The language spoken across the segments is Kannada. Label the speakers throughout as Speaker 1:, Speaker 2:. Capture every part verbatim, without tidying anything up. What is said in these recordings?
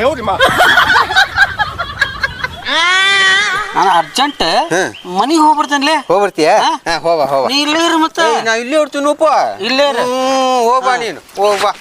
Speaker 1: ನಾನು ಅರ್ಜೆಂಟ್ ಮನಿಗೆ ಹೋಗ್ಬರ್ತೇನೆ.
Speaker 2: ಹೋಗ್ಬರ್ತೀಯ? ಹೋಗ ಹೋಗ.
Speaker 1: ನೀ ಇಲ್ಲೇ ಇರು. ಮತ್ತೆ
Speaker 2: ನಾ ಇಲ್ಲೇ ಇರ್ತೀನಪ್ಪ.
Speaker 1: ಇಲ್ಲೇ ಇರು.
Speaker 2: ಹೋಗ್ಬಾ ನೀನು, ಹೋಗ್ಬಾ.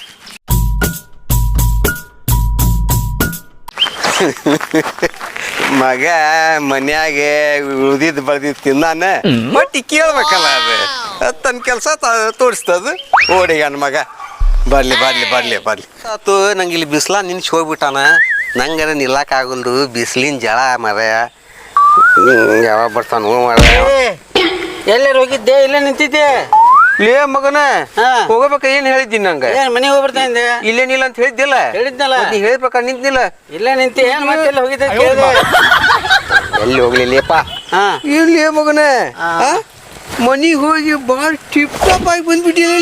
Speaker 2: ಮಗ ಮನ್ಯಾಗ ಉಳ್ದಿದ್ ಬಳ್ದಿದ್ ತಿನ್ನಾನ ಬಟ್ಟಿ ಕೇಳ್ಬೇಕಲ್ಲ. ಅದು ತನ್ನ ಕೆಲಸ ತೋರಿಸ್ತದ. ಓಡಿ ನನ್ನ ಮಗ ಬರ್ಲಿ ಬರ್ಲಿ ಬರ್ಲಿ ಬರ್ಲಿ ಆತು. ನಂಗೆ ಇಲ್ಲಿ ಬಿಸಿಲ ನಿನ್ಸಿ ಹೋಗ್ಬಿಟ್ಟಾನ. ನಂಗಾರ ನಿಲ್ಲಕ್ ಆಗಲ್ದು. ಬಿಸಿಲಿನ ಜಳ ಮರ ಯಾವಾಗ ಬರ್ತಾನ ಮರ.
Speaker 1: ಎಲ್ಲರೂ ಹೋಗಿದ್ದೆ? ಇಲ್ಲೇ ನಿಂತಿದ್ದೆ.
Speaker 2: ಲೇ ಮಗನ ಹೋಗಬೇಕ. ಏನ್ ಹೇಳಿದ್ದೀನಿ ನಂಗೆ?
Speaker 1: ಮನೆಗೆ ಹೋಗ್ಬರ್ತೇನೆ.
Speaker 2: ಇಲ್ಲೇ ನಿಲ್ಲ ಅಂತ ಹೇಳಿದ್ದಿಲ್ಲ?
Speaker 1: ಹೇಳಿದ್ನಲ್ಲ.
Speaker 2: ನೀ ಹೇಳ್ಬೇಕ. ನಿಂತಿಲ್ಲ.
Speaker 1: ಇಲ್ಲೇ ನಿಂತಿ. ಏನ್ ಮತ್ತೆ ಹೋಗಿದ್ದೆ?
Speaker 2: ಎಲ್ಲಿ ಹೋಗ್ಲಿಲ್ಲಪ್ಪ. ಇಲ್ಲಿ ಮಗನ ಮನಿಗೆ ಹೋಗಿ ಬಾಳ್ ಟಿಪ್ ಟಾಪ್ ಆಗಿ ಬಂದ್ಬಿಟ್ಟಿಲ್ಲ.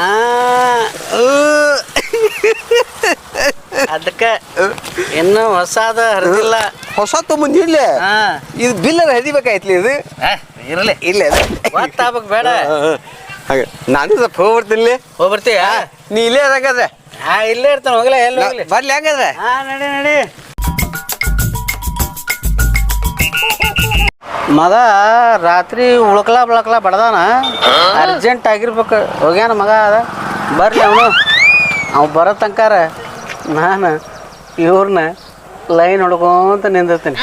Speaker 1: ಅದಕ್ಕೆ ಇನ್ನೂ ಹೊಸಾದ ಹರಿದಿಲ್ಲ.
Speaker 2: ಹೊಸ ತೊಗೊಂಬಂದಿಲ್ಲ. ಇದು ಬಿಲ್ಲರ ಹರಿಬೇಕಾಯ್ತಲಿ. ಇದು
Speaker 1: ಇರಲಿ.
Speaker 2: ಇಲ್ಲ
Speaker 1: ಗೊತ್ತಾಗ್ಬೇಕು ಬೇಡ.
Speaker 2: ಹಾಗೆ ನಾನು ಸ್ವಲ್ಪ ಹೋಗ್ಬರ್ತೀನಿ.
Speaker 1: ಹೋಗ್ಬರ್ತೀಯ?
Speaker 2: ನೀ ಇಲ್ಲೇ ಇರಾಗದ್ರೆ.
Speaker 1: ಹಾ ಇಲ್ಲೇ ಇರ್ತಾನೆ. ಹೋಗ್ಲಾ? ಎಲ್ಲಿ ಹೋಗ್ಲಿ?
Speaker 2: ಬರ್ಲಿ ಹಂಗಾದ್ರೆ.
Speaker 1: ಹಾ ನಡಿ ನಡಿ. ಮಗ ರಾತ್ರಿ ಉಳ್ಕಲ ಬಳಕಲ ಬಡ್ದಾನ. ಅರ್ಜೆಂಟ್ ಆಗಿರ್ಬೇಕು. ಹೋಗ್ಯಾನ ಮಗ. ಅದ ಬರ್ಲಿ ಅವನು. ಅವ್ ಬರೋ ತನಕಾರ ನಾನು ಇವ್ರನ್ನ ಲೈನ್ ಹೊಡ್ಕೊಂತ ನಿಂದಿರ್ತೀನಿ.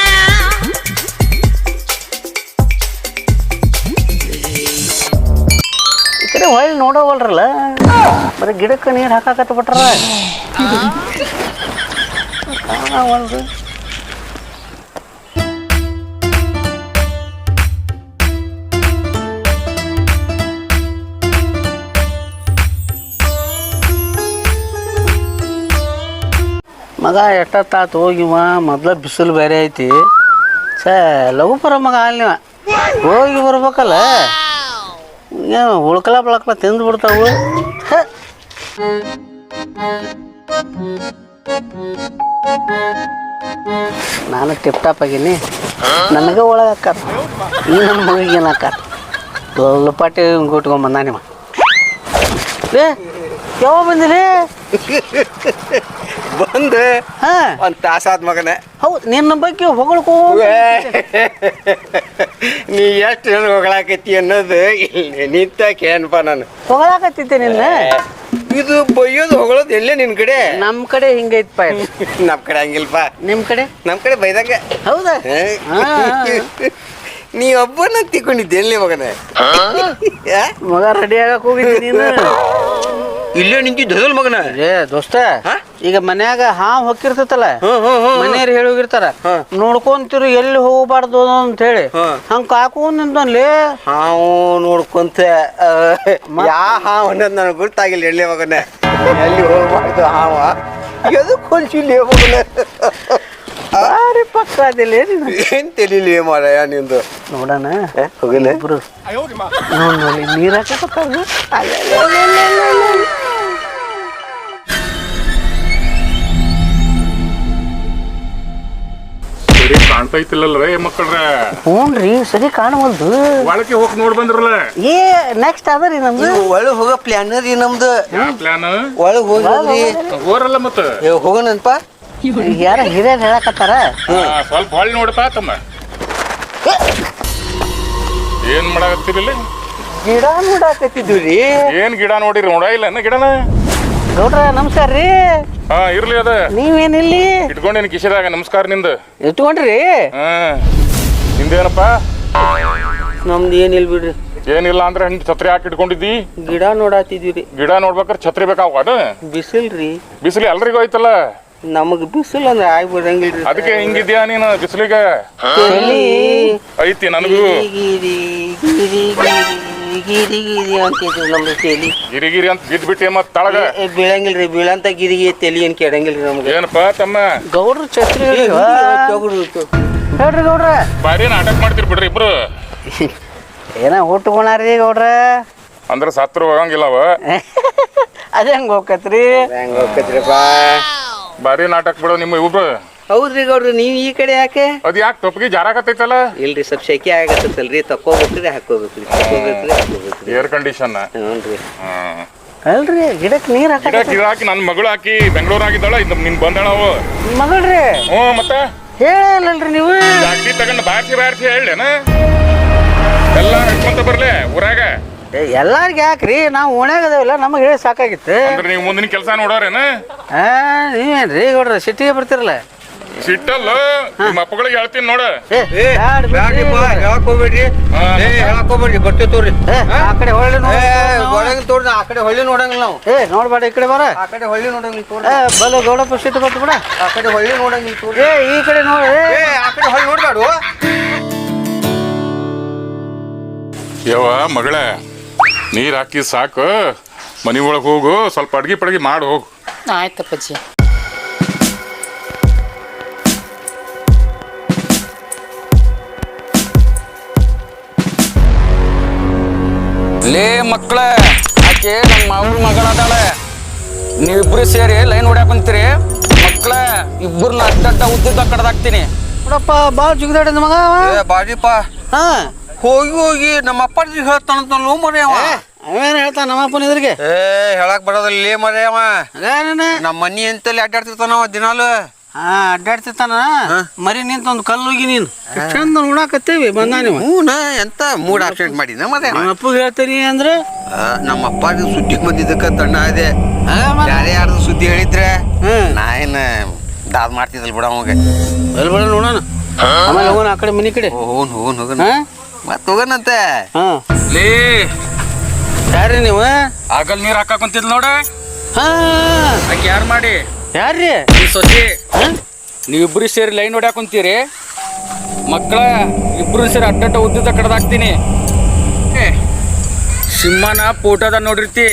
Speaker 1: ಈ ಕಡೆ ಹೊಳ್ಳಿ ನೋಡೋವಲ್ರಲ್ಲ. ಬರೀ ಗಿಡಕ್ಕೆ ನೀರು ಹಾಕಾಕತ್ತ ಬಿಟ್ರ. ಕಾಣವಲ್ದು. ಮಗ ಎಷ್ಟೊತ್ತಾತು ಹೋಗಿವ. ಮೊದ್ಲ ಬಿಸಿಲು ಬೇರೆ ಐತಿ. ಸ ಲಘು ಬರ ಮಗ ಅಲ್ಲಿವ. ಹೋಗಿ ಬರ್ಬೇಕಲ್ಲ. ಏನು ಉಳ್ಕಲ ಬಳಕಲ ತಿಂದು ಬಿಡ್ತಾವು. ನಾನು ಟಿಪ್ ಟಾಪ್ ಆಗೀನಿ. ನನಗೆ ಒಳಗೆ ಹಾಕಾರ. ಈ ನನ್ನ ಮಗಿಗೆ ಏನು ಹಾಕಾರ. ಲಪಾಟಿ ಗುಟ್ಕೊಂಬಂದ ನಿಮ್ಮ. ಏ ಯಾವ ಬಂದಿರಿ?
Speaker 2: ಬಂದೆ ಒಂದ್ ತಾಸಾದ ಮಗನೇ.
Speaker 1: ಹೌದು. ನಿನ್ನ ಬಗ್ಗೆ ಹೊಗಳ್ಕೋ.
Speaker 2: ನೀ ಎಷ್ಟು ಜನ ಹೊಗಳಾಕತ್ತಿ ಅನ್ನೋದು ಇಲ್ಲಿ ನಿಂತಕ್ಕೆ ಏನಪ್ಪ. ನಾನು
Speaker 1: ಹೊಗಳಾಕತ್ತಿದ್ದೆ ನಿನ್ನ.
Speaker 2: ಇದು ಬೈಯೋದು ಹೊಗಳೋದು ಎಲ್ಲೇ ನಿನ್ ಕಡೆ?
Speaker 1: ನಮ್ ಕಡೆ ಹಿಂಗೈತಪ್ಪ.
Speaker 2: ನಮ್ ಕಡೆ ಹಂಗಿಲ್ಪ.
Speaker 1: ನಿಮ್ ಕಡೆ?
Speaker 2: ನಮ್ ಕಡೆ ಬೈದಂಗ.
Speaker 1: ಹೌದಾ?
Speaker 2: ನೀ ಒಬ್ಬನ ತಿಕ್ಕೊಂಡಿದ್ದೆ ಎಲ್ಲಿ ಮಗನೇ?
Speaker 1: ಮಗ ರೆಡಿ ಆಗಕ್ ಹೋಗಿದ್ದಿ ನೀನು?
Speaker 2: ಇಲ್ಲೇ ನಿಂತಿದ್ದ ಮಗನ.
Speaker 1: ಏ ದೋಸ್ತ, ಈಗ ಮನ್ಯಾಗ ಹಾವು ಹೊಕ್ಕಿರ್ತೈತಲ್ಲ, ಮನೆಯವ್ರು ಹೇಳಿ ಹೋಗಿರ್ತಾರ ನೋಡ್ಕೊಂತಿರು ಎಲ್ಲಿ ಹೋಗಬಾರ್ದು ಅಂತ ಹೇಳಿ. ಹಂಗ ಕಾಕೊಂಡ್ ನಿಂತಲ್ಲಿ
Speaker 2: ಹಾವು ನೋಡ್ಕೊಂತ ಯಾ ಹಾವು ಅನ್ನೋದು ನನಗೆ ಗೊತ್ತಾಗಿಲ್ಲ. ಎಳ್ಳೆ ಮಗನ ಎಲ್ಲಿ ಹೋಗ್ಬಾರ್ದು ಹಾವ ಎದಕ್ ಹೊಲ್ಸಿಲ್ಲ ಮಗನ.
Speaker 1: ಬಾರಿ ಪಕ್ಕ ಅದಿಲ್ಲ.
Speaker 2: ಏನ್ ತಿಳಿಲಿ ಮಾರಾಯ ನಿಂದು.
Speaker 1: ನೋಡೋಣ
Speaker 2: ಹೋಗಿಲ್ಲ
Speaker 1: ಇಬ್ರು. ನೋಡ್ ನೋಡಿ ನೀರ್ ಹಾಕತ್ತಾಗ
Speaker 3: ಕಾಣ್ತೈತಿಲ್ಲಲ್ರ ಮಕ್ಕಳ್ರ.
Speaker 1: ಹ್ಞೂನ್ರಿ ಸರಿ ಕಾಣವಲ್ದು.
Speaker 3: ಒಳಗೆ ಹೋಗಿ ನೋಡ್ ಬಂದ್ರಲ್ಲ.
Speaker 1: ಏ ನೆಕ್ಸ್ಟ್ ಅದರಿ ನಮ್ದು
Speaker 2: ಒಳಗ್ ಹೋಗೋ ಪ್ಲಾನ್ ರೀ ನಮ್ದು.
Speaker 3: ಯಾವ ಪ್ಲಾನ್?
Speaker 2: ಒಳಗ್ ಹೋಗ್ರಿ
Speaker 3: ಹೋರಲ್ಲ ಮತ್ತ
Speaker 2: ಹೋಗೋಣನ್ಪ.
Speaker 1: ಯಾರ ಹಿರಿಯರ್ ಹೇಳಕತ್ತಾರ.
Speaker 3: ಸ್ವಲ್ಪ ಹೊಳ್ಳಿ ನೋಡಪ್ಪ ತಮ್ಮ. ಏನ್ ಮಾಡಾಕತ್ತೀರಿಲ್ಲ?
Speaker 2: ಗಿಡ ನೋಡಾಕತ್ತಿದ್ವಿ ರೀ.
Speaker 3: ಏನ್ ಗಿಡ ನೋಡಿರಿ? ನೋಡ ಇಲ್ಲ ಇನ್ನ ಗಿಡನ.
Speaker 1: ಗೌಡ್ರ ನಮಸ್ಕಾರ ರೀ.
Speaker 3: ಹಾ ಇರ್ಲಿ ಅದ.
Speaker 1: ನೀವೇನಿಲ್ಲಿ
Speaker 3: ಇಟ್ಕೊಂಡೇನ್ ಕಿಶದಾಗ? ನಮಸ್ಕಾರ ನಿಂದ
Speaker 1: ಇಟ್ಕೊಂಡ್ರಿ?
Speaker 3: ಹಾ ನಿಂದೇನಪ್ಪ?
Speaker 2: ನಮ್ದು ಏನಿಲ್ ಬಿಡ್ರಿ.
Speaker 3: ಏನಿಲ್ಲ ಅಂದ್ರೆ ಹಿಂಗ್ ಛತ್ರಿ ಹಾಕಿ ಇಟ್ಕೊಂಡಿದ್ದಿ?
Speaker 2: ಗಿಡ ನೋಡಾತಿದ್ವಿ.
Speaker 3: ಗಿಡ ನೋಡ್ಬೇಕಾರೆ ಛತ್ರಿ ಬೇಕಾವ?
Speaker 2: ಬಿಸಿಲ್ರಿ.
Speaker 3: ಬಿಸಿಲು ಎಲ್ರಿಗೂ ಐತಲ್ಲ.
Speaker 2: ನಮಗ್ ಬಿಸಿಲ್ ಅಂದ್ರೆ ಆಗ್ಬಿಡಂಗಿಲ್ರಿ.
Speaker 3: ಅದಕ್ಕೆ ಹಿಂಗಿದ್ಯಾ ನೀನು ಬಿಸಿಲಿಗೆ? ಐತಿ ನನಗೂ. ಗಿರಿಗಿರಿ ಅಂತ ಬಿದ್ ಬಿಟ್ಟೆ ಮತ್ ತಳಗ
Speaker 2: ಬೀಳಂಗಿಲ್ರಿ. ಬೀಳಂತ ಗಿರಿಗೆ ತೆಲಿ ಏನ್ ಕೆಡಂಗಿಲ್ರಿ ನಮ್ಗೆ.
Speaker 3: ಏನಪ್ಪ ತಮ್ಮ?
Speaker 1: ಗೌಡ್ರ ಛತ್ರಿ ಹೇಳ್ರಿ ಗೌಡ್ರ.
Speaker 3: ಬಾರಿ ನಾಟಕ ಮಾಡ್ತೀರಿ ಬಿಡ್ರಿ ಇಬ್ರು.
Speaker 1: ಏನ ಹುಟ್ಕೊಂಡ್ರಿ ಗೌಡ್ರ?
Speaker 3: ಅಂದ್ರ ಸತ್ರು ಹೋಗಂಗಿಲ್ಲವ.
Speaker 1: ಅದ ಹೆಂಗ ಹೋಗತ್ರಿ?
Speaker 2: ಹೆಂಗ ಹೋಗತ್ರಿಪ್ಪ?
Speaker 3: ಬಾರಿ ನಾಟಕ ಬಿಡೋ ನಿಮ್ಮ ಇಬ್ರು.
Speaker 2: ಹೌದ್ರಿ ಗೌಡ್ರಿ. ನೀವ್ ಈ ಕಡೆ ಯಾಕೆ?
Speaker 3: ಅದ್ ಯಾಕೆ ಟೊಪ್ಪಿಗೆ ಜಾರಾಕತ್ತೈತಲ್ಲ?
Speaker 2: ಇಲ್ರಿ ಸ್ವಲ್ಪ ಶೆಕೆ ಆಗತ್ತಲ್ರಿ. ತಕ್ಕೋಬೇಕ್ರಿ ಹಾಕೋಬೇಕ್ರಿ. ತಕ್ಕೋಬೇಕ್ರಿ ಹಾಕೋಬೇಕ್ರಿ.
Speaker 3: Air condition.
Speaker 2: ಹ್ಞೂನ್ರಿ.
Speaker 3: ಹ್ಮ್
Speaker 1: ಅಲ್ರಿ ಗಿಡಕ್ಕೆ ನೀರು ಹಾಕ
Speaker 3: ಗಿಡ ಗಿಡ ಹಾಕಿ ನನ್ನ ಮಗಳು ಹಾಕಿ ಬೆಂಗಳೂರು ಆಗಿದ್ದಾಳ ಇದು ನಿನ್ ಬಂದಾಳ ಅವು
Speaker 1: ಮಗಳ್ರಿ
Speaker 3: ಹ್ಞೂ ಮತ್ತೆ
Speaker 1: ಹೇಳಲ್ರಿ ನೀವು
Speaker 3: ಅಗ್ದಿ ತಗೊಂಡು ಬಾರ್ಸಿ ಬಾರ್ಸಿ ಹೇಳೇನ ಎಲ್ಲ ನಡ್ಕೊಂತ ಬರ್ಲೆ ಊರಾಗ
Speaker 1: ಎಲ್ಲಾರ್ಗ ಯಾಕ್ರಿ ನಾವು ಓಣ್ಯಾಗ ಅದಾವಿಲ್ಲ ನಮಗೆ ಹೇಳಿ ಸಾಕಾಗಿತ್ತು
Speaker 3: ಅಂದ್ರೆ ನೀವು ಮುಂದಿನ ಕೆಲಸ ನೋಡೋರೇನ
Speaker 1: ಹಾ ನೀವೇನ್ರಿ ಗೌಡ್ರ ಸಿಟಿಗೆ ಬರ್ತಿರಲ್ಲ
Speaker 3: ಸಿಟ್ಟಲ್ಲ ನಿಮ್ಮ ಅಪ್ಪಗಳಿಗೆ ಹೇಳ್ತೀನಿ ನೋಡ
Speaker 1: ಏ ಬ್ಯಾಡ್ ಬಿಡ್ರಿ.
Speaker 2: ಹೇಳಕ್ ಹೋಗ್ಬೇಡ್ರಿ ಏ ಹೇಳಕ್ ಹೋಗ್ಬೇಡ್ರಿ ಬರ್ತೇವೆ ತೋರಿ
Speaker 1: ಏ, ಆ ಕಡೆ ಹೊಳ್ಳಿ
Speaker 2: ಒಳಗಿನ ತೋರಿ ಆ ಕಡೆ ಹೊಳ್ಳಿ ನೋಡಂಗಿಲ್ಲ ನಾವು
Speaker 1: ಏ ನೋಡ್ಬೇಡ ಈ ಕಡೆ ಬರ
Speaker 2: ಆ ಕಡೆ ಹೊಳ್ಳಿ ನೋಡಂಗಿಲ್ಲ ತೋರಿ
Speaker 1: ಏ ಬಲ ಗೌಡಪ್ಪ ಸಿಟ್ಟು ಬರ್ತು ಬಿಡ
Speaker 2: ಆ ಕಡೆ ಹೊಳ್ಳಿ ನೋಡಂಗಿಲ್ಲ ತೋರಿ
Speaker 1: ಏ ಈ ಕಡೆ ನೋಡಿ
Speaker 2: ಏ ಆ ಕಡೆ ಹೊಳ್ಳಿ ನೋಡ್ಬೇಡು
Speaker 3: ಯವ್ವ ಮಗಳ ನೀರು ಹಾಕಿ ಸಾಕು ಮನೆ ಒಳಗೆ ಹೋಗು ಸ್ವಲ್ಪ ಅಡ್ಗೆ ಪಡ್ಗಿ ಮಾಡಿ ಹೋಗು
Speaker 4: ಆಯ್ತಪ್ಪಜ್ಜಿ
Speaker 5: ಲೇ ಮಕ್ಕಳ ಆಕೆ ನಮ್ಮ ಮಾವನ ಮಗಳದಾಳೆ ನೀವಿಬ್ರು ಸೇರಿ ಲೈನ್ ಹೊಡ್ಯಾಕ ಕುಂತೀರಿ ಮಕ್ಕಳ ಇಬ್ಬರನ್ನ ಅಡ್ಡಡ್ಡ ಉದ್ದುದ್ದ ಕಡ್ದಾಕ್ತೀನಿ
Speaker 1: ನೋಡಪ್ಪ ಭಾಳ ಜಿಗಿದಾಡಿದ ಮಗ ಅವ.
Speaker 2: ಏ ಬಾಜಿಪ್ಪ
Speaker 1: ಹಾ
Speaker 2: ಹೋಗಿ ಹೋಗಿ ನಮ್ಮ ಅಪ್ಪಾಜಿ ಹೇಳ್ತಾನಂತ ಲೋ ಮರಿ ಅವ
Speaker 1: ಅವೇನು ಹೇಳ್ತಾನ ನಮ್ಮಪ್ಪನ ಎದುರಿಗೆ
Speaker 2: ಏ ಹೇಳಕ್ ಬರೋದಿಲ್ಲ ಲೇ ಮರಿ ಅವ
Speaker 1: ಅದೇನ
Speaker 2: ನಮ್ಮ ಮನಿ ಅಂತಲ್ಲಿ ಅಡ್ಡಾಡ್ತಿರ್ತಾನವ ದಿನಾಲು
Speaker 1: ಹಾ ಅಡ್ಡಾಡ್ತಿರ್ತಾನ ಮರಿ ನಿಂತ ಒಂದು ಕಲ್ಲು ಹೋಗಿ ನೀನು ಚಂದ ನೋಡಾಕತ್ತೇವಿ ಬಂದ ನೀವು
Speaker 2: ಹ್ಞೂನ ಎಂತ ಮೂಡ್ ಆಕ್ಸಿಡೆಂಟ್ ಮಾಡಿನ ಮರೆ
Speaker 1: ನಮ್ಮ ಅಪ್ಪಗೆ ಹೇಳ್ತೀನಿ ಅಂದ್ರೆ
Speaker 2: ನಮ್ಮ ಅಪ್ಪಾಜಿ ಸುದ್ದಿಗೆ ಬಂದಿದ್ದಕ್ಕ ತಣ್ಣ ಇದೆ
Speaker 1: ಹಾ, ಮತ್ತ್?
Speaker 2: ಯಾರೇ ಯಾರ್ದು ಸುದ್ದಿ ಹೇಳಿದ್ರೆ
Speaker 1: ಹ್ಮ್.
Speaker 2: ನಾ ಏನ ದಾದ್ ಮಾಡ್ತಿದ್ದಲ್ ಬಿಡ ಅವಾಗ
Speaker 1: ಬಲ್ ಬೇಡ ನೋಡೋಣ ಆಮೇಲೆ ಹೋಗೋಣ ಆ ಕಡೆ ಮನಿ ಕಡೆ
Speaker 2: ಹೋಗೋನ್ ಹೋಗೋನ್ ಹೋಗೋನ್
Speaker 1: ಹಾ
Speaker 2: ಮತ್ ಹೋಗೋಣಂತೆ
Speaker 1: ಹಾ
Speaker 5: ಲೇ
Speaker 1: ಯಾರ್ರಿ ನೀವು
Speaker 5: ಆಗಲ್ ನೀರ್ ಹಾಕಾಕ ಕುಂತಿದ್ ನೋಡ
Speaker 1: ಹಾ
Speaker 5: ಆಕೆ ಯಾರು ಮಾಡಿ
Speaker 1: ಯಾರ್ರಿ
Speaker 5: ಈ ಸೊಸಿ ನೀವಿಬ್ರು ಸೇರಿ ಲೈನ್ ಹೊಡ್ಯಾಕ ಕುಂತೀರಿ ಮಕ್ಕಳ ಇಬ್ರು ಸೇರಿ ಅಡ್ಡಡ್ಡ ಉದ್ದುದ್ದ ಕಡ್ದಾಕ್ತೀನಿ ಏ, ಸಿಂಹನ ಫೋಟೋದ ನೋಡಿರ್ತಿ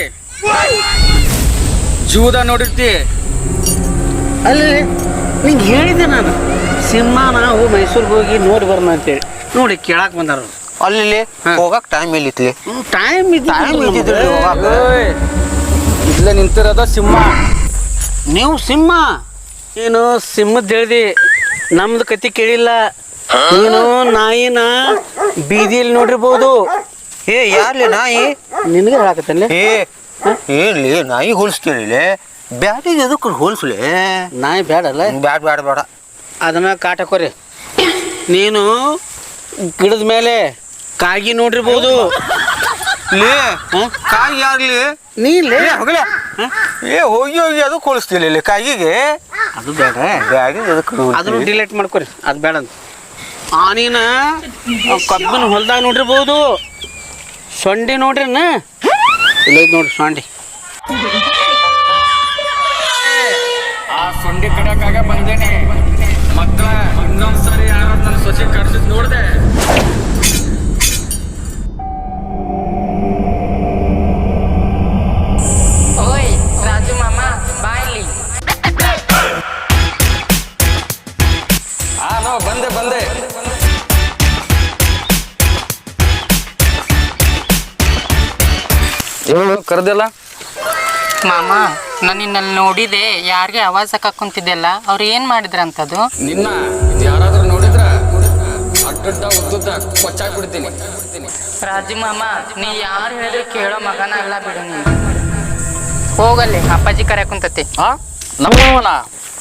Speaker 5: ಜೂದ ನೋಡಿರ್ತಿ
Speaker 1: ಅಲ್ಲಿ ನಿಂಗೆ ಹೇಳಿದ್ದೆ ನಾನು ಸಿಂಹ ನಾವು ಮೈಸೂರಿಗೆ ಹೋಗಿ ನೋಡಿ ಬರೋಣ ಅಂತೇಳಿ ನೋಡಿ ಕೇಳಾಕ್ ಬಂದಾರ
Speaker 2: ಅಲ್ಲಿ ಹೋಗಕ್ ಟೈಮ್ ಎಲ್ಲಿತ್ಲಿ
Speaker 1: ಟೈಮ್
Speaker 2: ಟೈಮ್ ಇದ್ದಿದ್ರಿ ಹೋಗಾಕ
Speaker 5: ಏಯ್, ಇಲ್ಲೇ ನಿಂತಿರೋದ ಸಿಂಹ
Speaker 1: ನೀವು ಸಿಂಹ ನೀನು ಸಿಂಹದ ಹೇಳ್ದಿ ನಮ್ದು ಕತಿ ಕೇಳಿಲ್ಲ ನೀನು ನಾಯಿನ ಬೀದಿಯಲ್ಲಿ ನೋಡಿರ್ಬೋದು
Speaker 2: ಏ ಯಾರ್ಲಿ ನಾಯಿ
Speaker 1: ನಿನಗೆ ಹೇಳಾಕತ್ತಲ್ಲ
Speaker 2: ಏ ಏನ್ಲಿ ನಾಯಿ ಹೋಲಿಸ್ತೀರಿ ಬ್ಯಾಟಿಗೆ ಎದಕ್ಕೆ ಹೋಲಿಸ್ಲಿ
Speaker 1: ನಾಯಿ ಬೇಡಲ್ಲ
Speaker 2: ಬ್ಯಾಡ್ ಬ್ಯಾಡ ಬೇಡ
Speaker 1: ಅದನ್ನ ಕಾಟಕೋರಿ ನೀನು ಗಿಡದ ಮೇಲೆ ಕಾಗಿ ನೋಡಿರ್ಬೋದು
Speaker 2: ಲೇ
Speaker 1: ಹ?
Speaker 2: ಕಾಯಿ ಯಾರ್ಲಿ
Speaker 1: ನೀಲೇ
Speaker 2: ಏ ಹೋಗಲೇ ಏ ಹೋಗಿ ಹೋಗಿ ಅದಕ್ಕೆ ಹೋಲಿಸ್ತಿಲ್ಲ ಇಲ್ಲಿ ಕಾಯಿಗೆ
Speaker 1: ಅದು ಬೇಡ
Speaker 2: ಬ್ಯಾಡಿಗೆ ಎದಕ್ಕೆ
Speaker 1: ಅದನ್ನು ಡಿಲೀಟ್ ಮಾಡ್ಕೊರಿ ಅದು ಬೇಡ ಅಂತ ಆನಿನ ಕಬ್ಬಿನ ಹೊಲ್ದಾಗ ನೋಡಿರ್ಬೋದು ಸೊಂಡಿ ನೋಡ್ರಿನ ಇಲ್ಲ ನೋಡ್ರಿ ಸೊಂಡಿ
Speaker 5: ಆ ಸೊಂಡಿ ಕಡೆಯಾಗ ಬಂದೇನೆ ಮಕ್ಕಳ ಇನ್ನೊಂದ್ಸರಿ ಯಾರು ನನ್ನ ಸೊಸೆ ಕಡ್ಸಿದ್ ನೋಡ್ದೆ
Speaker 4: ಓಯ್ ರಾಜು ಮಾಮ ಬಾಯ್ಲಿ
Speaker 5: ಹಾ ನೋ ಬಂದೆ ಬಂದೆ ಹೇಳು ಕರೆದಿಲ್ಲ
Speaker 4: ಮಾಮ ನಾನು ನಿನ್ನಲ್ಲಿ ನೋಡಿದೆ ಯಾರಿಗೆ ಆವಾಜ್ ಹಾಕಕ್ ಕುಂತಿದ್ದೆಲ್ಲ ಅವ್ರು ಏನ್ ಮಾಡಿದ್ರಂತದು
Speaker 5: ನಿನ್ನ ಯಾರಾದ್ರೂ ನೋಡಿದ್ರ ಅಡ್ಡಡ್ಡ ಉದ್ದುದ್ದ ಕೊಚ್ಚಾಕ್ ಬಿಡ್ತೀನಿ
Speaker 4: ರಾಜು ಮಾಮ ನೀ ಯಾರು ಹೇಳಿದ್ರೆ ಕೇಳೋ ಮಗನ ಅಲ್ಲ ಬಿಡು ನೀ ಹೋಗಲ್ಲಿ ಅಪ್ಪಾಜಿ ಕರೆಯಕ್ ಕುಂತತಿ
Speaker 5: ಹಾ ನಮ್ಮವನ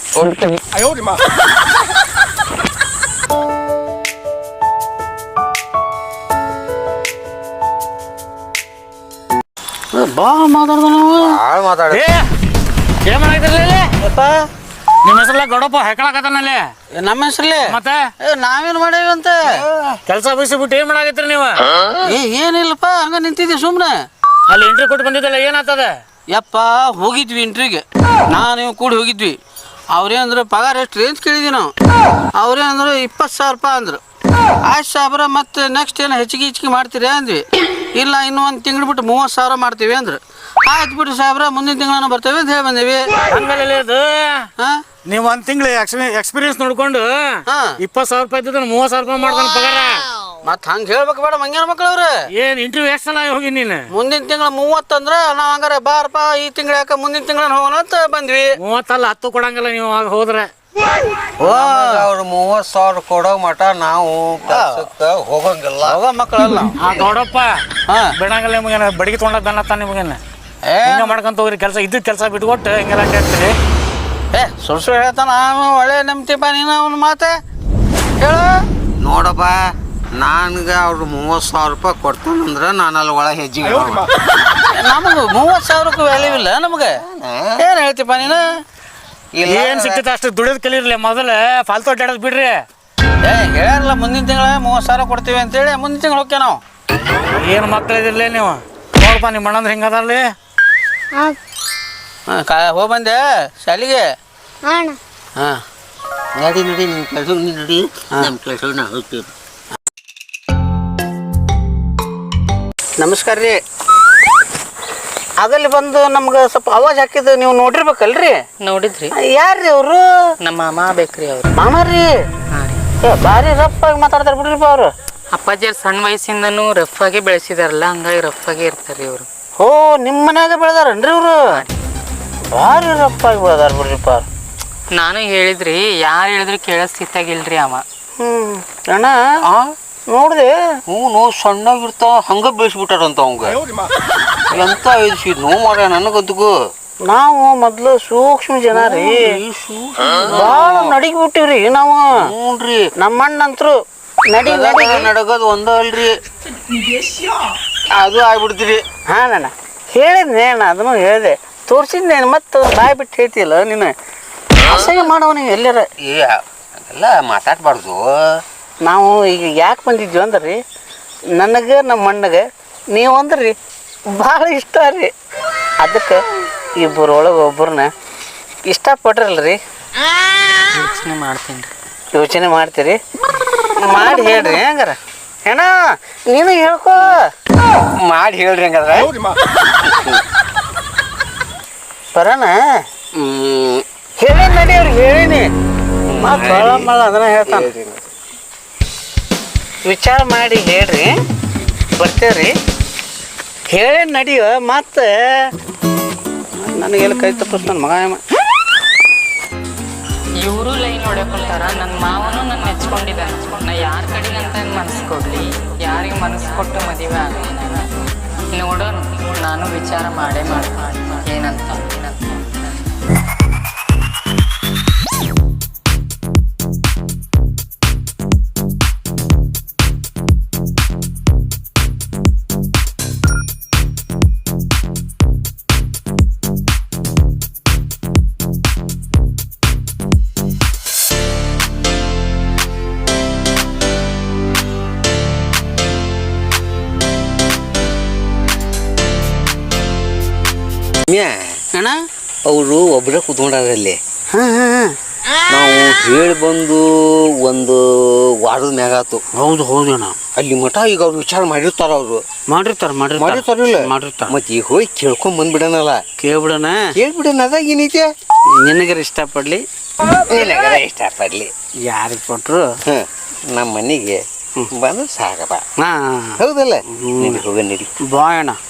Speaker 1: ಬಾ ಮಾತಾಡ್ದ ನಾವು
Speaker 2: ಭಾಳ ಮಾತಾಡ
Speaker 1: ಏನ್ ಮಾಡಾಕ್ತಿರ್ಲಿ ಯಪ್ಪ
Speaker 6: ನಿಮ್ಮ ಹೆಸರಲ್ಲ ಗೌಡಪ್ಪ ಹೆಕ್ಕಳಕತ್ತಾನಲ್ಲಿ
Speaker 1: ನಮ್ಮ ಹೆಸ್ರಲ್ಲಿ
Speaker 6: ಮತ್ತೆ
Speaker 1: ಏ ನಾವೇನು ಮಾಡೇವಿ ಅಂತ
Speaker 6: ಕೆಲಸ ಬಿಟ್ಟು ಏನ್ ಮಾಡಾಕತ್ರಿ ನೀವು
Speaker 1: ಏ ಏನಿಲ್ಲಪ್ಪ ಹಂಗ ನಿಂತಿದ್ದೆ ಸುಮ್ಮನೆ
Speaker 6: ಅಲ್ಲಿ ಎಂಟ್ರಿ ಕೊಟ್ಟು ಬಂದಿದ್ದಲ್ಲ ಏನಾಗ್ತದ
Speaker 1: ಯಪ್ಪ ಹೋಗಿದ್ವಿ ಇಂಟ್ರಿಗೆ ನಾನು ನೀವು ಕೂಡ ಹೋಗಿದ್ವಿ ಅವ್ರೇಂದ್ರು ಪಗಾರ ಎಷ್ಟು ರೇಂಜ್ ಕೇಳಿದ್ವಿ ನಾವು ಅವ್ರೇಂದ್ರು ಇಪ್ಪತ್ತು ಸಾವಿರ ರೂಪಾಯಿ ಅಂದ್ರು ಆಯ್ತು ಸಾಬ್ರ ಮತ್ತೆ ನೆಕ್ಸ್ಟ್ ಏನು ಹೆಚ್ಚಿಗೆ ಹೆಚ್ಚಿಗೆ ಮಾಡ್ತೀರಿ ಅಂದ್ವಿ ಇಲ್ಲ ಇನ್ನೂ ಒಂದು ತಿಂಗಳು ಬಿಟ್ಟು ಮೂವತ್ತು ಸಾವಿರ ಮಾಡ್ತೀವಿ ಅಂದ್ರು ಆಯ್ತು ಬಿಟ್ಟು ಸಾಬ್ರ ಮುಂದಿನ ತಿಂಗಳನ್ನ ಬರ್ತೇವೆ ಅಂತ ಹೇಳಿ ಬಂದೇವಿ
Speaker 6: ಹಂಗಲ್ಲ ಅದು
Speaker 1: ಹಾಂ
Speaker 6: ನೀವು ಒಂದ್ ತಿಂಗಳು ಎಕ್ಸ್ಪೀರಿಯನ್ಸ್ ನೋಡ್ಕೊಂಡು
Speaker 1: ಹಾ.
Speaker 6: ಇಪ್ಪತ್ತು ಸಾವಿರ ರೂಪಾಯಿ ಇದ್ದಿದ್ರೆ ಮೂವತ್ತು ಸಾವಿರ ರೂಪಾಯಿ ಮಾಡ್ತಾನೆ ಪಗಾರ
Speaker 1: ಮತ್ತೆ ಹಂಗೆ ಹೇಳ್ಬೇಕು ಬೇಡ ಮಂಗ್ಯಾನ ಮಕ್ಳವ್ರೆ
Speaker 6: ಏನ್ ಇಂಟರ್ವ್ಯೂ ಎಷ್ಟು ಸಲ ಹೋಗಿ ನೀನು
Speaker 1: ಮುಂದಿನ ತಿಂಗಳು ಮೂವತ್ತು ಅಂದ್ರೆ ನಾವು ಹಂಗಾರೆ ಬಾರಪ್ಪ ಈ ತಿಂಗಳು ಯಾಕೆ ಮುಂದಿನ ತಿಂಗಳ ಹೋಗೋಣ ಅಂತ ಬಂದ್ವಿ
Speaker 6: ಮೂವತ್ತಲ್ಲ ಹತ್ತು ಕೊಡಂಗಿಲ್ಲ ನೀವು ಆಗ ಹೋದ್ರೆ
Speaker 1: ಓ
Speaker 2: ಅವ್ರು ಮೂವತ್ತು ಸಾವಿರ ಕೊಡೋ ಮಟ ನಾವು ಕೆಲ್ಸಕ್ಕೆ ಹೋಗಂಗಿಲ್ಲ
Speaker 1: ಹೋಗೋ ಮಕ್ಕಳಲ್ಲ
Speaker 6: ಆ ಗೌಡಪ್ಪ
Speaker 1: ಹಾಂ
Speaker 6: ಬಿಡಂಗಿಲ್ಲ ನಿಮಗೇನ ಬಡಿಗೆ ತೊಗೊಂಡ ದನ್ನತ್ತ ನಿಮಗೇನ
Speaker 1: ಏ
Speaker 6: ಹಿಂಗೆ ಮಾಡ್ಕೊಂತ ಹೋಗ್ರಿ ಕೆಲಸ ಇದ್ದಿದ್ದು ಕೆಲಸ ಬಿಟ್ಕೊಟ್ಟು ಹಿಂಗೆಲ್ಲ ಕೇಳ್ತೀರಿ.
Speaker 1: ಏ ಸುಳ್ಳು ಸುಳ್ಳು ಹೇಳ್ತಾನ ಅವನು ಒಳ್ಳೆ ನಂಬ್ತಿಪ್ಪ ನೀನು ಅವನ ಮಾತೆ ಹೇಳು.
Speaker 2: ನೋಡಪ್ಪ ನನ್ಗೆ ಅವ್ರು ಮೂವತ್ತು ಸಾವಿರ ರೂಪಾಯಿ ಕೊಡ್ತಾನಂದ್ರೆ ನಾನು ಅಲ್ಲಿ ಒಳಗೆ ಹೆಜ್ಜೆಗೆ
Speaker 1: ನಮಗೆ ಮೂವತ್ತು ಸಾವಿರಕ್ಕೂ ವ್ಯಾಲ್ಯೂ ಇಲ್ಲ ನಮಗೆ. ಏನು ಹೇಳ್ತಿಪ್ಪ ನೀನು?
Speaker 6: ಏನು ಸಿಗ್ತೈತೆ ಅಷ್ಟು ದುಡಿಯೋದು ಕಲೀರ್ಲಿ ಮೊದಲು ಫಾಲ್ತು ಅಡ್ಡಾಡೋದು ಬಿಡ್ರಿ.
Speaker 1: ಏ ಹೇಳ್ಯಾರಲ್ಲ ಮುಂದಿನ ತಿಂಗಳ ಮೂವತ್ತು ಸಾವಿರ ಕೊಡ್ತೀವಿ ಅಂತೇಳಿ ಮುಂದಿನ ತಿಂಗಳು ಹೋಗ್ಯ ನಾವು.
Speaker 6: ಏನು ಮಕ್ಕಳಿದಿರಲಿ ನೀವು ನೋಡಪ್ಪ ನಿಮ್ಮ ಅಣ್ಣಂದ್ರೆ ಹಿಂಗದಲ್ಲಿ.
Speaker 1: ಹಾಂ ಕಾ ಹೋಗಿ ಬಂದೆ ಶಾಲೆಗೆ.
Speaker 7: ಹಾಂ
Speaker 1: ಹಾಂ
Speaker 2: ನಡಿ ನಡಿ ನಿಮ್ಮ ಕೆಲಸ ನೀ ನಡಿ ನಮ್ಮ ಕೆಲಸ ನಾವು ಹೋಗ್ತೀವಿ.
Speaker 1: ನಮಸ್ಕಾರ ರೀ. ಅದಲ್ಲಿ ಬಂದು ನಮ್ಗೆ ಸ್ವಲ್ಪ ಅವಾಜ್ ಹಾಕಿದ್ದು ನೀವು ನೋಡಿರ್ಬೇಕಲ್ರಿ?
Speaker 4: ನೋಡಿದ್ರಿ
Speaker 1: ಯಾರ್ರಿ ಅವರು?
Speaker 4: ನಮ್ಮ ಮಾಮ ಬೇಕ್ರಿ ಅವ್ರು.
Speaker 1: ಮಾಮ ರೀ?
Speaker 4: ಹಾಂ ರೀ.
Speaker 1: ಏ ಭಾರಿ ರಫ್ ಆಗಿ ಮಾತಾಡ್ತಾರೆ ಬಿಡ್ರಿಪ್ಪ ಅವರು.
Speaker 4: ಅಪ್ಪಾಜಿ ಅವ್ರು ಸಣ್ಣ ವಯಸ್ಸಿಂದನೂ ರಫ್ ಆಗಿ ಬೆಳೆಸಿದಾರಲ್ಲ, ಹಂಗಾಗಿ ರಫ್ ಆಗಿ ಇರ್ತಾರೆ ಇವರು.
Speaker 1: ಓ ನಿಮ್ಮ ಮನ್ಯಾಗ ಬೆಳೆದಾರನ್ರಿ ಇವರು? ಭಾರಿ ರಫ್ ಆಗಿ ಬೆಳೆದಾರ ಬಿಡ್ರಿಪ್ಪ ಅವ್ರು.
Speaker 4: ನಾನು ಹೇಳಿದ್ರಿ, ಯಾರು ಹೇಳಿದ್ರು ಕೇಳೋ ಸ್ಥಿತಿಯಾಗಿಲ್ರಿ ಅವ.
Speaker 1: ಹ್ಞೂ ಅಣ್ಣ ನೋಡಿದೆ.
Speaker 2: ಹ್ಞೂ ನೋವು ಸಣ್ಣಾಗಿರ್ತಾವ ಹಂಗೆ ಬೆಳೆಸ್ಬಿಟ್ಟಾರಂತ ಅವಂಗ ಎಂತ ಐದು ನೋವು ಮಾಡ್ಯ ನನಗಂತಗೂ.
Speaker 1: ನಾವು ಮೊದ್ಲು ಸೂಕ್ಷ್ಮ ಜನ ರೀ, ಭಾಳ ನಡಿಗೆ ಬಿಟ್ಟಿವ್ರಿ ನಾವು.
Speaker 2: ಹ್ಞೂನ್ರಿ
Speaker 1: ನಮ್ಮ ಅಣ್ಣಂತ್ರು ನಡಿ ನಡಿ
Speaker 2: ನಡಗೋದು ಒಂದ ಅಲ್ರಿ, ಅದು ಆಗ್ಬಿಡ್ತೀರಿ.
Speaker 1: ಹಾಂ ನಾನು ಹೇಳಿದ್ನೆ ಅಣ್ಣ, ಅದನ್ನು ಹೇಳಿದೆ ತೋರಿಸಿದ್ನೇನು. ಮತ್ತು ಬಾಯ್ ಬಿಟ್ಟು ಹೇಳ್ತಿಲ್ಲ ನೀನು. ಅಸಹ್ಯ ಮಾಡವ ನೀವು ಎಲ್ಲಾರ.
Speaker 2: ಏ ಅದೆಲ್ಲ ಮಾತಾಡ್ಬಾರ್ದು.
Speaker 1: ನಾವು ಈಗ ಯಾಕೆ ಬಂದಿದ್ವಿ ಅಂದ್ರೆ ರೀ, ನನಗೆ ನಮ್ಮ ಅಣ್ಣಗೆ ನೀವು ಅಂದ್ರಿ ಭಾಳ ಇಷ್ಟ ರೀ. ಅದಕ್ಕೆ ಇಬ್ಬರೊಳಗೆ ಒಬ್ಬರನ್ನ ಇಷ್ಟಪಟ್ರಲ್ಲ ರೀ.
Speaker 4: ಯೋಚನೆ ಮಾಡ್ತೀನಿ ರೀ.
Speaker 1: ಯೋಚನೆ ಮಾಡ್ತೀರಿ? ಮಾಡಿ ಹೇಳ್ರಿ ಹಂಗಾರ. ಏನ ನೀನು ಹೇಳ್ಕೊ,
Speaker 2: ಮಾಡಿ ಹೇಳ್ರಿ ಹಂಗಾದ್ರೆ.
Speaker 1: ಬರೋಣ
Speaker 2: ಹ್ಞೂ
Speaker 1: ಹೇಳೀನಿ ನಡಿ ಅವ್ರಿಗೆ ಹೇಳೀನಿ. ಮತ್ತು ಮಳ ಅದನ್ನ ಹೇಳ್ತಾನೆ. ವಿಚಾರ ಮಾಡಿ ಹೇಳ್ರಿ, ಬರ್ತೇವ್ರಿ. ಹೇಳೇ ನಡಿಯೋ. ಮತ್ತು ನನಗೆಲ್ಲ ಕೈ ತಪ್ಪಿಸ್ ನನ್ನ ಮಗ.
Speaker 4: ಇವರು ಲೈನ್ ಹೊಡ್ಕೊಂತಾರ. ನನ್ನ ಮಾವನು ನನ್ನ ಮೆಚ್ಕೊಂಡಿದ್ದಾನೆ. ನಾ ಯಾರ ಕಡೆಗಂತ ಮನಸ್ಸು ಕೊಡ್ಲಿ, ಯಾರಿಗೆ ಮನಸ್ಸು ಕೊಟ್ಟು ಮದುವೆ ಆಗಲಿ ನಾನು ನೋಡೋಣ. ನಾನು ವಿಚಾರ ಮಾಡೇ ಮಾಡ್ತೀನಿ ಏನಂತ ಏನಂತ.
Speaker 1: ಅಣ್ಣ
Speaker 2: ಅವರು ಒಬ್ಬರೇ ಕೂತ್ಕೊಂಡಾರಲ್ಲಿ.
Speaker 1: ಹಾಂ ಹಾಂ
Speaker 2: ನಾವು ಹೇಳಿ ಬಂದು ಒಂದು ವಾರದ ಮ್ಯಾಗ ಆತು.
Speaker 1: ಹೌದು ಹೌದು ಅಣ್ಣ.
Speaker 2: ಅಲ್ಲಿ ಮಠ ಈಗ ಅವ್ರು ವಿಚಾರ ಮಾಡಿರ್ತಾರ. ಅವರು
Speaker 1: ಮಾಡಿರ್ತಾರೆ ಮಾಡಿರ್ತಾರೆ
Speaker 2: ಮಾಡಿರ್ತಾರಿಲ್ಲ
Speaker 1: ಮಾಡಿರ್ತಾರೆ.
Speaker 2: ಮತ್ತೆ ಈಗ ಹೋಗಿ ಕೇಳ್ಕೊಂಡ್ ಬಂದ್ಬಿಡನಲ್ಲ.
Speaker 1: ಕೇಳ್ಬಿಡೋಣ.
Speaker 2: ಕೇಳ್ಬಿಡೋಣ, ಅದಾಗ ಏನೈತೆ.
Speaker 1: ನಿನಗರ ಇಷ್ಟಪಡ್ಲಿ
Speaker 2: ನಿನಗರ ಇಷ್ಟಪಡ್ಲಿ,
Speaker 1: ಯಾರಿಗೆ ಕೊಟ್ಟರು
Speaker 2: ಹಾಂ ನಮ್ಮ ಮನೆಗೆ ಬಂದು ಸಾಕಪ್ಪ.
Speaker 1: ಹಾಂ
Speaker 2: ಹೌದಲ್ಲ? ನಿನಗೆ ಹೋಗ ನಡಿ
Speaker 1: ಬಾಯ್ ಅಣ್ಣ.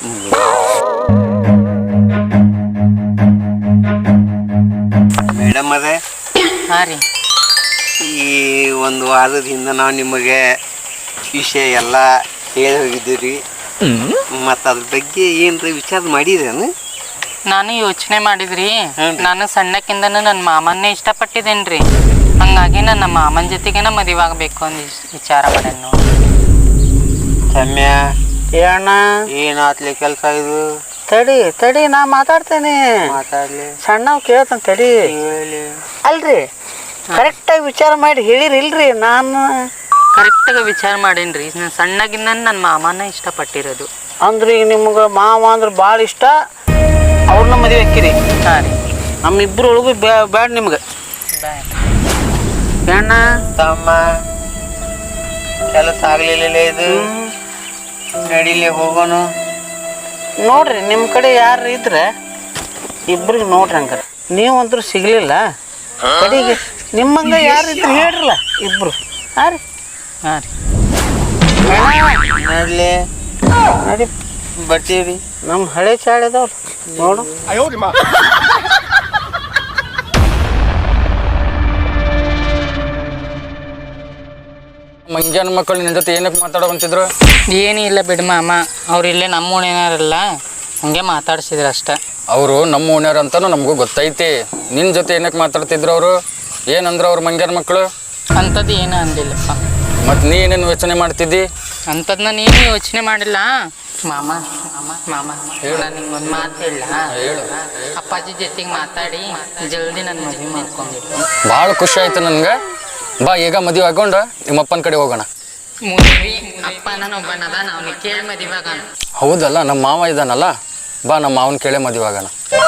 Speaker 2: ಮೇಡಮ್ ಅದೇ
Speaker 4: ಹಾಂ ರೀ.
Speaker 2: ಈ ಒಂದು ವಾರದ ಹಿಂದೆ ನಾವು ನಿಮಗೆ ವಿಷಯ ಎಲ್ಲ ಹೇಳಿ ಹೋಗಿದ್ದೀವಿ. ಮತ್ತು ಅದ್ರ ಬಗ್ಗೆ ಏನ್ರಿ ವಿಚಾರ ಮಾಡಿದ್ರೇನು?
Speaker 4: ನಾನು ಯೋಚನೆ ಮಾಡಿದ್ರಿ, ನಾನು ಸಣ್ಣಕ್ಕಿಂದನೂ ನನ್ನ ಮಾಮನ್ನೇ ಇಷ್ಟಪಟ್ಟಿದ್ದೇನ್ರಿ. ಹಂಗಾಗಿ ನನ್ನ ಮಾಮನ ಜೊತೆಗೇನ ಮದುವೆ ಆಗಬೇಕು ಅಂತ ವಿಚಾರ ಮಾಡ್ಯಾನ ನೋಡಿ.
Speaker 2: ರಮ್ಯ
Speaker 1: ಅಣ್ಣ
Speaker 2: ಏನಾತ್ಲಿ ಕೆಲಸ ಇದು?
Speaker 1: ತಡಿ ತಡಿ ನಾ ಮಾತಾಡ್ತೇನೆ.
Speaker 2: ಮಾತಾಡ್ಲಿ,
Speaker 1: ಸಣ್ಣವ್ ಕೇಳ್ತಾನೆ ತಡಿ.
Speaker 2: ಹೇಳಿ.
Speaker 1: ಅಲ್ರಿ ಕರೆಕ್ಟಾಗಿ ವಿಚಾರ ಮಾಡಿ ಹೇಳಿರಿ ಇಲ್ರಿ? ನಾನು
Speaker 4: ಕರೆಕ್ಟಾಗಿ ವಿಚಾರ ಮಾಡೇನ್ರಿ. ನಾನು ಸಣ್ಣಗಿಂದ ನನ್ನ ಮಾಮನ ಇಷ್ಟಪಟ್ಟಿರೋದು.
Speaker 1: ಅಂದ್ರೆ ಈಗ ನಿಮ್ಗೆ ಮಾವ ಅಂದ್ರೆ ಭಾಳ ಇಷ್ಟ, ಅವ್ರನ್ನ ಮದುವೆ ಹಾಕಿರಿ.
Speaker 4: ಹಾಂ ರೀ.
Speaker 1: ನಮ್ಮಿಬ್ಬರೊಳಗೂ ಬ್ಯಾಡ ನಿಮ್ಗೆ. ಅಣ್ಣ
Speaker 2: ತಮ್ಮ ಕೆಲಸ ಆಗ್ಲಿಲ್ಲ ಇದು, ನಡಿಲಿ ಹೋಗೋಣ.
Speaker 1: ನೋಡ್ರಿ ನಿಮ್ಮ ಕಡೆ ಯಾರು ಇದ್ರೆ ಇಬ್ರಿಗೆ ನೋಡ್ರಿ. ಹಂಗಾರೆ ನೀವಂತರೂ ಸಿಗ್ಲಿಲ್ಲ ಕಡೆಗೆ ನಿಮ್ಮಂಗ ಯಾರು ಇದ್ರೆ ಹೇಳ್ರಲ್ಲ ಇಬ್ರು. ಹಾಂ ರೀ
Speaker 4: ಹಾಂ ರೀ.
Speaker 2: ನಡ್ಲಿ
Speaker 1: ನಡಿ
Speaker 2: ಬರ್ತೀವಿ.
Speaker 1: ನಮ್ಮ ಹಳೆ ಚಾಳಿದವ್ರು ನೋಡು.
Speaker 5: ಮಂಜಾನ ಮಕ್ಕಳು ನಿನ್ನ ಜೊತೆ ಏನಕ್ಕೆ ಮಾತಾಡೋ ಅಂತಿದ್ರು?
Speaker 4: ಏನಿಲ್ಲ ಬಿಡು ಮಾಮ, ಅವ್ರು ಇಲ್ಲೇ ನಮ್ಮ ಓಣೇನಾರಲ್ಲ, ಹಂಗೆ ಮಾತಾಡ್ಸಿದ್ರು ಅಷ್ಟೇ.
Speaker 5: ಅವರು ನಮ್ಮ ಓಣ್ಯವ್ರು ಅಂತಾನು ನಮಗೂ ಗೊತ್ತೈತಿ. ನಿನ್ನ ಜೊತೆ ಏನಕ್ಕೆ ಮಾತಾಡ್ತಿದ್ರು ಅವರು? ಏನಂದ್ರೆ ಅವ್ರ ಮಂಗ್ಯಾರ ಮಕ್ಕಳು
Speaker 4: ಅಂಥದ್ದು ಏನೂ ಅಂದಿಲ್ಲಪ್ಪ.
Speaker 5: ಮತ್ತು ನೀ ಏನೇನು ಯೋಚನೆ ಮಾಡ್ತಿದ್ದಿ?
Speaker 4: ಅಂಥದ್ದನ್ನ ನೀನು ಯೋಚನೆ ಮಾಡಿಲ್ಲ ಮಾಮ. ಮಾಮ ಮಾಮ ನಾನು ನಿಂಗೊಂದು ಮಾತು ಹೇಳ.
Speaker 5: ಹೇಳು.
Speaker 4: ಅಪ್ಪಾಜಿ ಜೊತೆಗೆ ಮಾತಾಡಿ ಜಲ್ದಿ ನನ್ನ ಮದುವೆ ಮಾಡ್ಕೊಂಡಿರು.
Speaker 5: ಭಾಳ ಖುಷಿ ಆಯ್ತು ನನಗೆ. ಬಾ ಈಗ ಮದುವೆ ಆಗೊಂಡು ನಿಮ್ಮ ಅಪ್ಪನ ಕಡೆ ಹೋಗೋಣ.
Speaker 4: ಮದುವೆ ಅಪ್ಪ ನಾನು ಒಬ್ಬನದ ನಾವು ಕೇಳಿ ಮದುವೆ ಆಗೋಣ.
Speaker 5: ಹೌದಲ್ಲ, ನಮ್ಮ ಮಾವ ಇದ್ದಾನಲ್ಲ, ಬಾ ನಮ್ಮ ಮಾವನ ಕೇಳೇ ಮದುವೆ ಆಗೋಣ.